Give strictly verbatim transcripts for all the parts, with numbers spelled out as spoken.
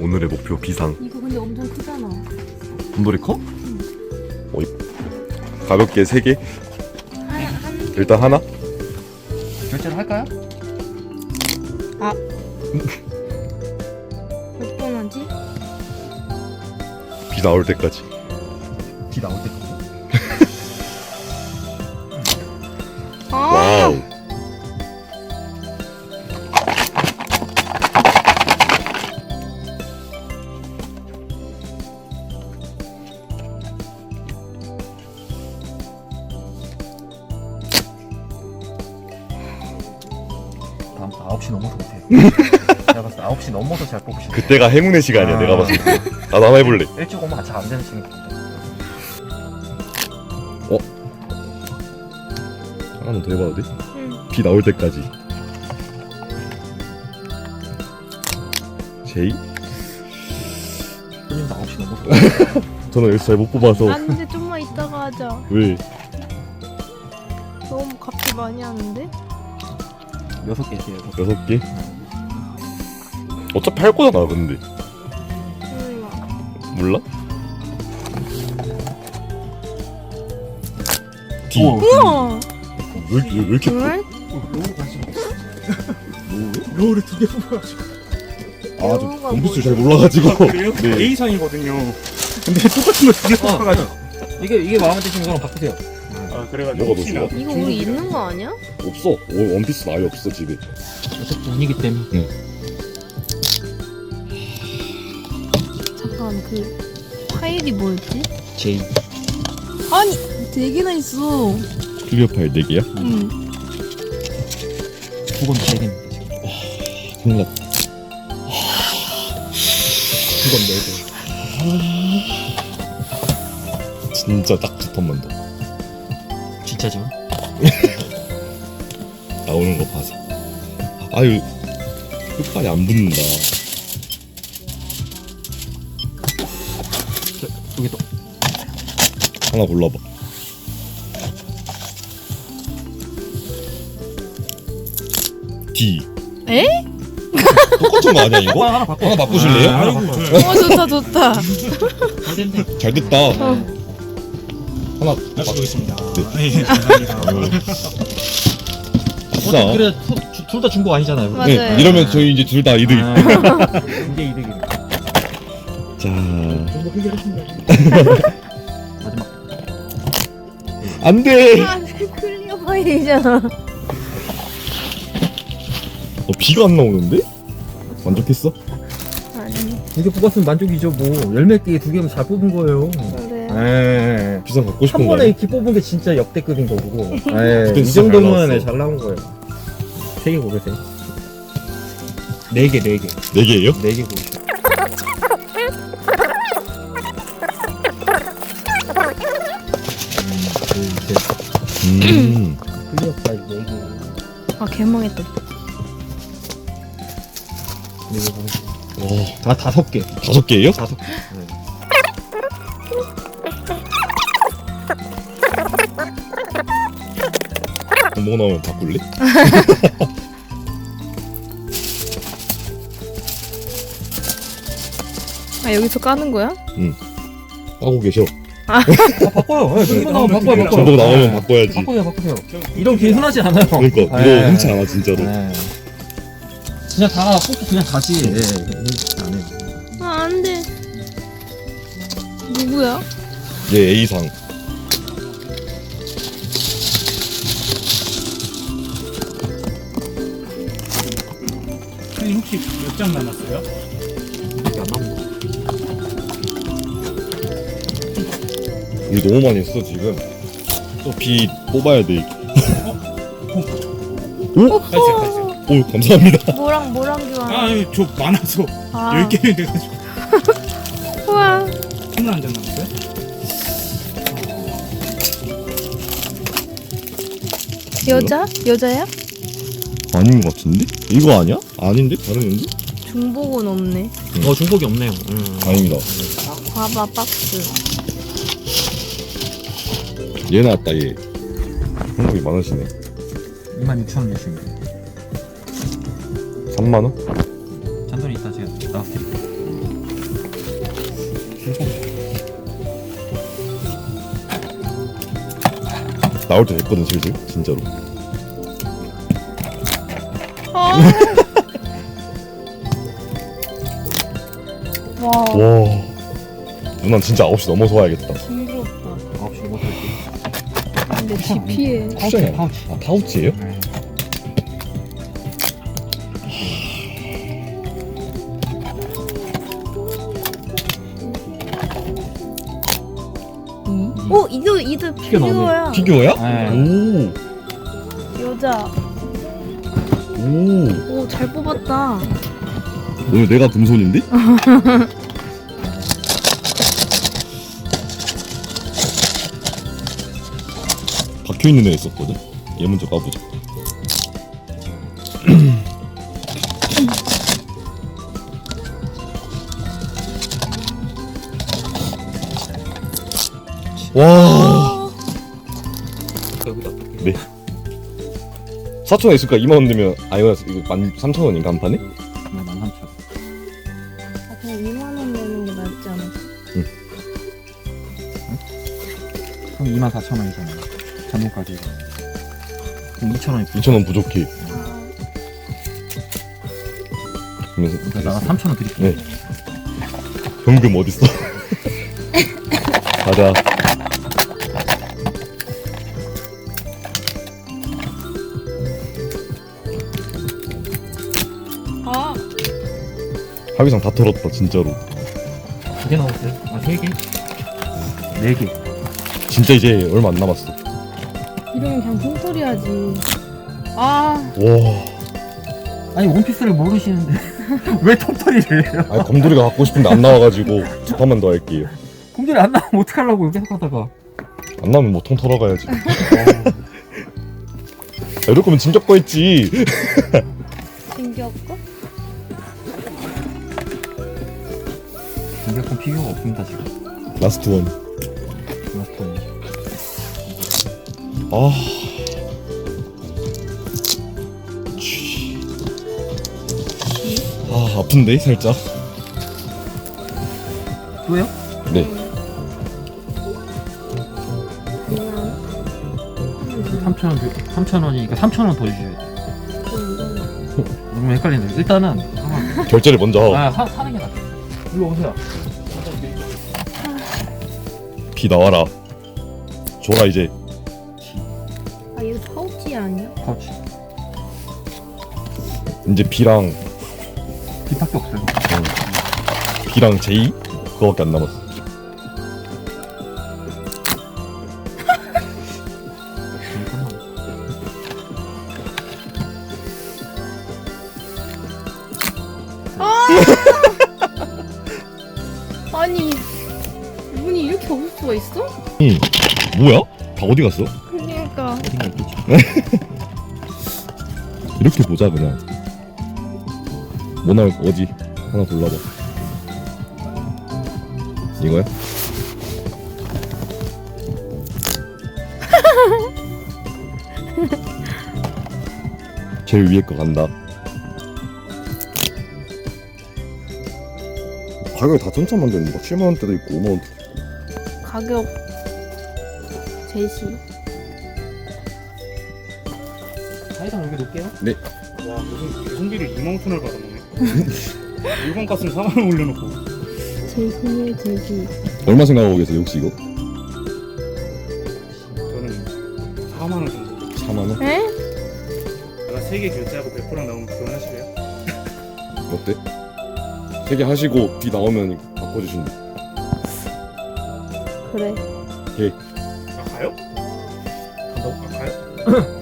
오늘의 목표 비상. 이거 근데 엄청 크잖아. 곰돌이 커? 응. 어, 가볍게 세 개. 하나 한. 일단 하나. 결제를 할까요? 아. 몇 번 하지? 비 나올 때까지. 비 나올 때까지. 아. 와우. 다음부터 아홉 시 넘어서 못해요. 내가 봤을 때 아홉 시 넘어서 잘 뽑으시네. 그때가 행운의 시간이야. 아. 내가 봤을 때. 나도 한번 해볼래. 일찍 오면 잘 안 되는 친구. 하나만 더 해봐도 돼? 응. 비 나올 때까지. 제이? 형님도 아홉 시 넘어서. 저는 여기서 잘 못 뽑아서. 안돼 좀만 이따가 하자. 왜? 너무 값이 많이 하는데? 여섯 개씩이에요. 여섯 개? 어차피 할 거잖아, 근데. 몰라. 몰라? D. 오. 우와. 왜, 왜, 왜 이렇게 커? 정말? 로우 관심 없어. 로우를 두 개 뽑아가지고. 아, 저 영어가 원피스 뭐지? 잘 몰라가지고. 그래요? 네. A상이거든요. 근데 똑같은 거 두 개 뽑아가지고. 이게 이게 마음에 드시는 거랑 바꾸세요. 아, 그래가지고 뭐가 더 혹시나. 좋아? 이거 우리 있는 거 아니야? 없어. 어, 원피스 아예 없어, 집에. 어차피 돈이기 때문에. 잠깐 그 파일이 뭐였지? 제이. 아니 네 개나 있어. 클리어 파일 네 개야? 응. 두 건도 네 개입니다. 지금. 큰일 났다. 두건 네 개. 진짜 딱 두 턴만 더. 진짜죠? 나오는 거 봐서. 아유, 끝발이 안 붙는다. 여기 또. 하나 골라봐. D. 에? 똑같은 거 아니야, 이거? 하나 바꿔. 하나 바꾸실래요? 하나 아이고, 바꿔. 좋아요. 어 좋다 좋다. 잘 됐네. 잘 됐다. 어. 하나 아, 보겠습니다. 네. 네, 감사합니다. 아싸. 그래 둘 다 준 거 아니잖아요. 맞아요. 네, 이러면 저희 이제 둘 다 이득. 아, 이게 이득이네. 자, 정보 해결했습니다. 마지막. 안 돼. 아 클리어 파일이잖아. 어, 비가 안 나오는데? 만족했어? 아니 두 개 뽑았으면 만족이죠. 뭐 열몇 개 두 개면 잘 뽑은 거예요. 그래. 에. 비상 갖고 싶은 한 거 번에 아니야? 이렇게 뽑은 게 진짜 역대급인 거고. 에. 그때 이 진짜 잘 정도면 나왔어. 잘 나온 거예요. 세 개 고르세요. 네 개, 네 개, 네 개예요? 네 개 고르세요. 음, 둘, 셋. 음. 클리어 파일 네 개. 아 개망했다. 네 개 고르세요. 와, 다 다섯 개. 다섯 개예요? 다섯 개. 네. 뭐 나오면 바꿀래? 아 여기서 까는 거야? 하고 계셔. 아 바꿔요. 네, 정보 나오면 바꿔요, 바꿔요. 정보 나오면 네. 바꿔야지. 바꾸세요, 바꾸세요. 이런 게 흔하지 않아요. 그러니까 이거 네. 흔치 않아 진짜로. 네. 그냥 다 뽑고 그냥 다시 예, 안 해요. 아 안돼. 누구야? 얘 A상. 선생님 혹시 몇 장 남았어요? 이게 안 나온 거. 우리 너무 많이 했어 지금. 또 B 뽑아야 돼. 오호. 가세요, 가세요. 오 감사합니다. 뭐랑 뭐랑 아, 교환? 아니, 저 많아서 아. 열 개는 돼가지고. 우와. 스물한 장 남았어요? 여자? 여자야? 아닌 것 같은데? 이거 아니야? 아닌데? 다른인데? 중복은 없네. 어 중복이 없네요. 음. 아닙니다. 과바 박스. 얘 나왔다 얘. 한국이 많으시네. 이만 육천 원 주시면 삼만 원? 잔돈이 있다 제가 나갈게요. 나올 때 됐거든 슬슬 진짜로. 아. 와, 와 누난 진짜 아홉 시 넘어서 와야겠다. 징그럽다. 아홉 시 못 할게. 근데 지피해. 쿠션이야. 파우치. 아 파우치예요? 네. 오, 이도 이도 피규어 나오네. 피규어야. 피규어야? 네. 오. 여자. 오. 오, 잘 뽑았다. 오늘 내가 금손인데? 박혀있는 애 있었거든? 얘 먼저 까보자. 와. 여기다. 네. 사천 원 있을까? 이만 원 되면 아 이거 이거 만 삼천 원인가 한 판에? 네, 만 삼천. 아, 그냥 이만 원 내는 게 낫지 않았어? 그럼 이만 사천 원이잖아. 잔돈까지. 그럼 이천 원이 이천 원 부족해. 그러면서 그러니까 나가 삼천 원 드릴게. 네. 현금 어딨어? 가자. 아, 합의상 다 털었다 진짜로. 두 개 나왔어요? 아, 세 개? 네 개. 진짜 이제 얼마 안 남았어. 이러면 그냥 통털이 하지. 아, 와. 아니, 원피스를 모르시는데 왜 톱털이를 해요? 아 검돌이가 갖고 싶은데 안 나와가지고 두 판만 더 할게요. 곰돌이 안 나오면 어떡하려고 계속 하다가. 안 나오면 뭐 통 털어가야지. 아, 이럴 거면 진격 거 했지. 신기할까? 공격권 피규어가 없습니다, 지금. 라스트 원. 라스트. 아. 아 아픈데 살짝. 또요? 네. 삼천 원, 삼천 원이니까 삼천 원 더 주셔야 돼. 너무 헷갈린다. 일단은 하나. 결제를 먼저 하고. 아, 사, 사는 게 낫다. 일로 오세요. 비 나와라. 줘라 이제. 아, 이거 파우치 아니야? 파우치. 이제 B랑 뒷밖에 없어요. 어, B랑 J 그거밖에 안 남았어. 아니, 문이 이렇게 없을 수가 있어? 응. 뭐야? 다 어디 갔어? 그러니까. 어딘가 있겠지. 이렇게 보자 그냥. 뭐 나올 거 어디? 하나 골라봐. 이거야? 제일 위에 거 간다. 가격이 다 천차만별인데 막 칠만 원대도 있고 오만 원대도 있고. 가격 제시. 사이다 여기 놓을게요. 와 무슨 배송비를 이만 오천 원을 받아먹네. 물건 값은 사만 원 올려놓고. 제시에 제시. 얼마 생각하고 계세요 혹시 이거? 저는 사만 원 정도. 사만 원? 에? 제가 세 개 결제하고 백 퍼센트랑 나오면 교환하실래요? 어때? 세 개 하시고 B 나오면 바꿔주신다. 그래. 아 가요? 간다고? 아 가요?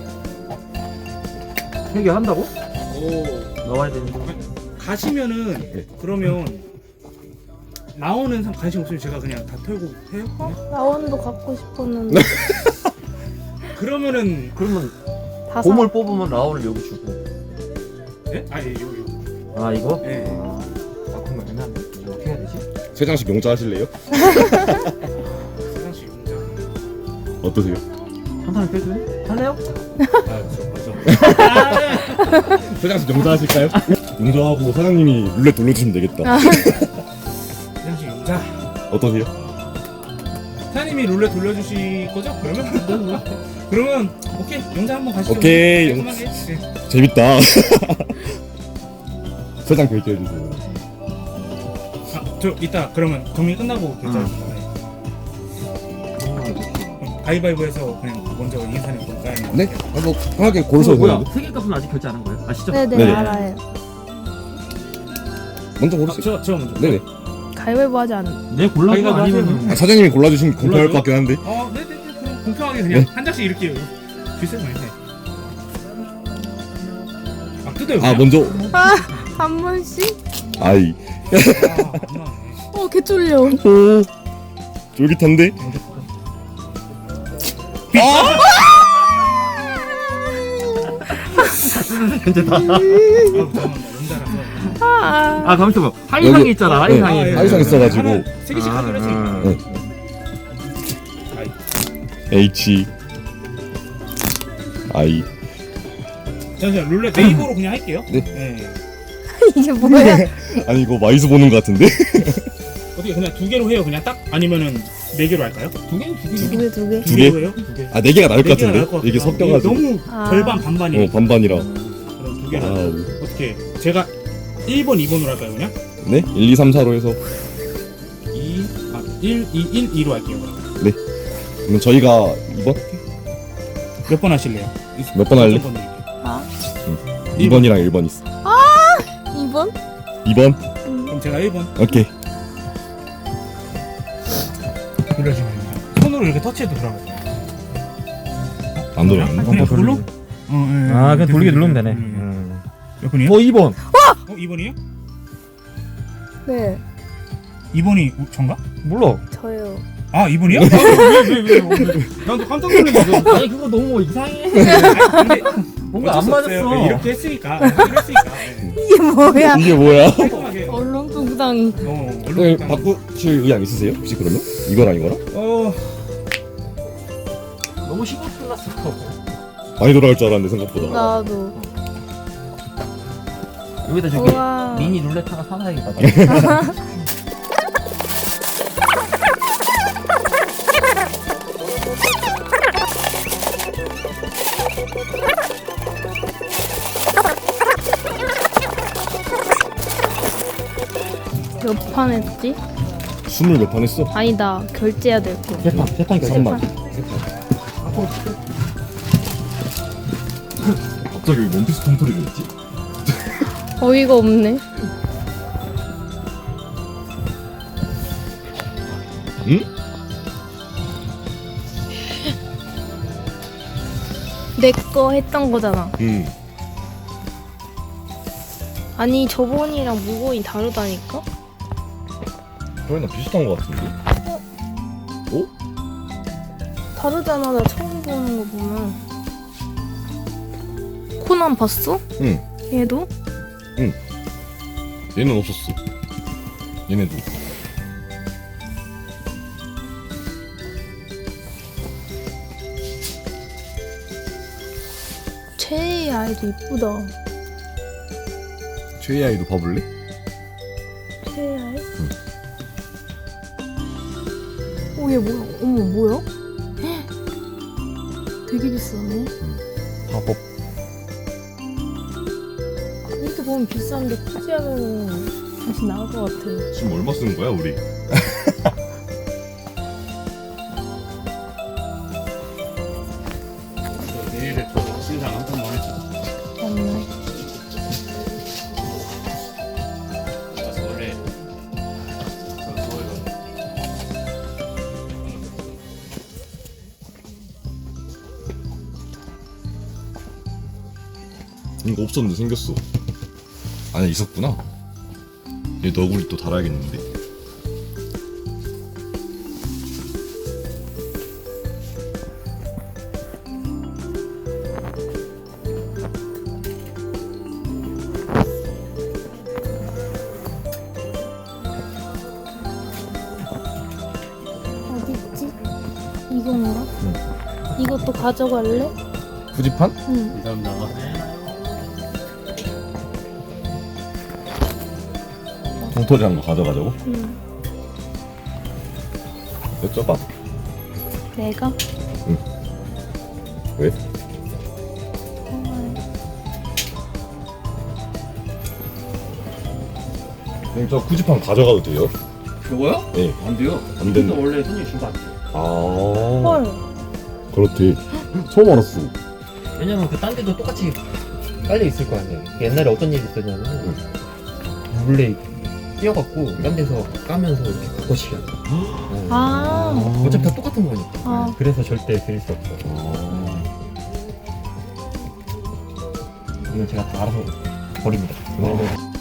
세 개 한다고? 오 나와야 되는데. 가시면은 네. 그러면 나오는 상 관심 없으면 제가 그냥 다 털고 해요? 그냥? 라원도 갖고 싶었는데 그러면은 그러면 다 사. 곰을 뽑으면 라온을 여기 주고. 예? 아니 이거 이거. 아, 이거? 예. 아, 그러면 애매한데? 이거 어떻게 해야 되지? 세 장씩 용자 하실래요? 세상씩 용자. 어떠세요? 한 사람 빼줘요? 할래요? 아 맞아 맞아. 세 장씩 용자 하실까요? 용자하고 사장님이 룰렛 돌려주시면 되겠다. 세상씩 용자. 어떠세요? 사장님이 룰렛 돌려주실 거죠? 그러면 그러면 오케이 영장 한번 가시죠. 오케이, 영- 깔끔하게. 네. 재밌다. 설정 결제해주세요. 아, 저 이따 그러면 정리 끝나고 결제할게요. 네. 가위바위보해서 그냥 먼저 인사님 볼까요? 네? 아, 뭐 편하게 고르셔도 뭐야? 되는데. 세개 값은 아직 결제 안 한 거예요? 아시죠? 네네, 네네. 알아요. 먼저 아, 고르세요. 저, 저 먼저. 네네. 가위바위보 하지 않은. 내 골라도 가위바위보 아니면은 아, 사장님이 골라주신 게 공평할 것 같긴 한데. 어, 네네네. 그럼 공평하게 그냥 네. 한 장씩 이렇게 주세요. 네. 아, 뜯어요. 아 그냥? 먼저 아, 한 번씩? 아이. 아, 안 나왔네. 어, 개 쫄려. 오 쫄깃한데. 현재다. 아, 잠깐만. 연달아서. 아, 아 가만있어 봐. 하이상이 여기- 있잖아. 네. 하이상이. 아, 예. 하이상 있어가지고. 하나, 세 개씩 아, 하기로 했으니까. 네. H I. 잠시만 룰렛 네이버로 그냥 할게요. 네. 이게 뭐야? 아니 이거 마이스 보는 것 같은데. 어떻게 그냥 두 개로 해요? 그냥 딱 아니면은 네 개로 할까요? 두 개는 두 두 개, 두 개. 두 두 개? 개로 해요? 두 개. 아 네 개가 나을 것 네 개가 나을 같은데. 것 같아요. 이게 섞여가지고. 너무 아. 절반 반반이에요. 어 반반이라. 그럼 두 개로 와우. 어떻게? 제가 일 번, 이 번으로 할까요 그냥? 네? 일, 이, 삼, 사로 해서. 이, 아, 일, 이, 일, 이로 할게요. 그럼. 그럼 저희가 이번 몇 번 하실래요? 몇 번 할래? 어떤 번 드릴게요? 아, 이 번이랑 일 번 있어. 이 번? 이 번? 음. 그럼 제가 일 번 오케이. 돌려주면 됩니다. 손으로 이렇게 터치해도 들어가요. 안 돌아가네. 그냥 돌로? 어, 예, 예. 아 그냥 돌리게 누르면 되네. 음. 음. 몇 번이요? 어 이 번. 어, 이 번이요? 네, 이 번이 전가? 몰라. 저요. 아, 이 번이요? 왜왜왜 난또 깜짝 놀랐네. 아니 그거 너무 이상해. 근데 뭔가 어쩔 안 수 없어요. 맞았어. 네, 이렇게 했으니까. 이렇게 했으니까. 네. 이게 뭐야? 이게 뭐야? 깔끔하게. 어, 얼렁뚱땅. 네, 얼른 바꾸실 의향 있으세요? 혹시 그러면? 이거랑 이거랑? 어, 너무 신경 쓰였어. 많이 돌아갈 줄 알았는데 생각보다. 나도. 여기다 저기 우와. 미니 룰렛 하나 사놔야겠다. 몇 판 했지? 스물 몇 판 했어? 아니다, 결제해야 될 거. 세판 세판 세 결정. 판. 갑자기 원피스 통토리가 있지? 어이가 없네. 응? 내 거 했던 거잖아. 응. 아니, 저번이랑 무거이 다르다니까? 저희랑 비슷한 것 같은데? 오? 다르잖아, 나 처음 보는 거 보면. 코난 봤어? 응. 얘도? 얘는 없었어. 얘네도. 최애 아이도 이쁘다. 최애 아이도 봐볼래? 최애 아이? 오, 얘 뭐야? 어머, 뭐야? 헉! 되게 비싸네. 화법. 이렇게 보면 비싼데 굳이 하면 다시 나올 것 같아. 지금 얼마 쓰는 거야 우리? 내일에 또 신상 한 번만 해줘. 맞네. 그래서 원래 저 서울 가서 이거 없었는데 생겼어. 안에 있었구나. 얘 너구리 또 달아야겠는데. 어디 있지? 이건가? 이것도 가져갈래? 후지판? 응. 감사합니다. 통토리한 거 가져가자고? 응. 여쭤봐. 내가? 왜? 정말. 그럼 저 구지판 가져가도 돼요? 요거요? 네. 안 돼요. 안 근데 된다. 원래 손님 주면 안 돼요. 아. 헐. 그렇대. 처음 알았어. 왜냐면 그 딴 데도 똑같이 깔려 있을 거 아니에요. 옛날에 어떤 일이 있었냐면 몰래 뛰어갖고 딴 데서 까면서 이렇게 바꿔치기 하는 거. 아. 어차피 다 똑같은 거니까. 아. 그래서 절대 드릴 수 없어. 이건 제가 다 알아서 버립니다. 아.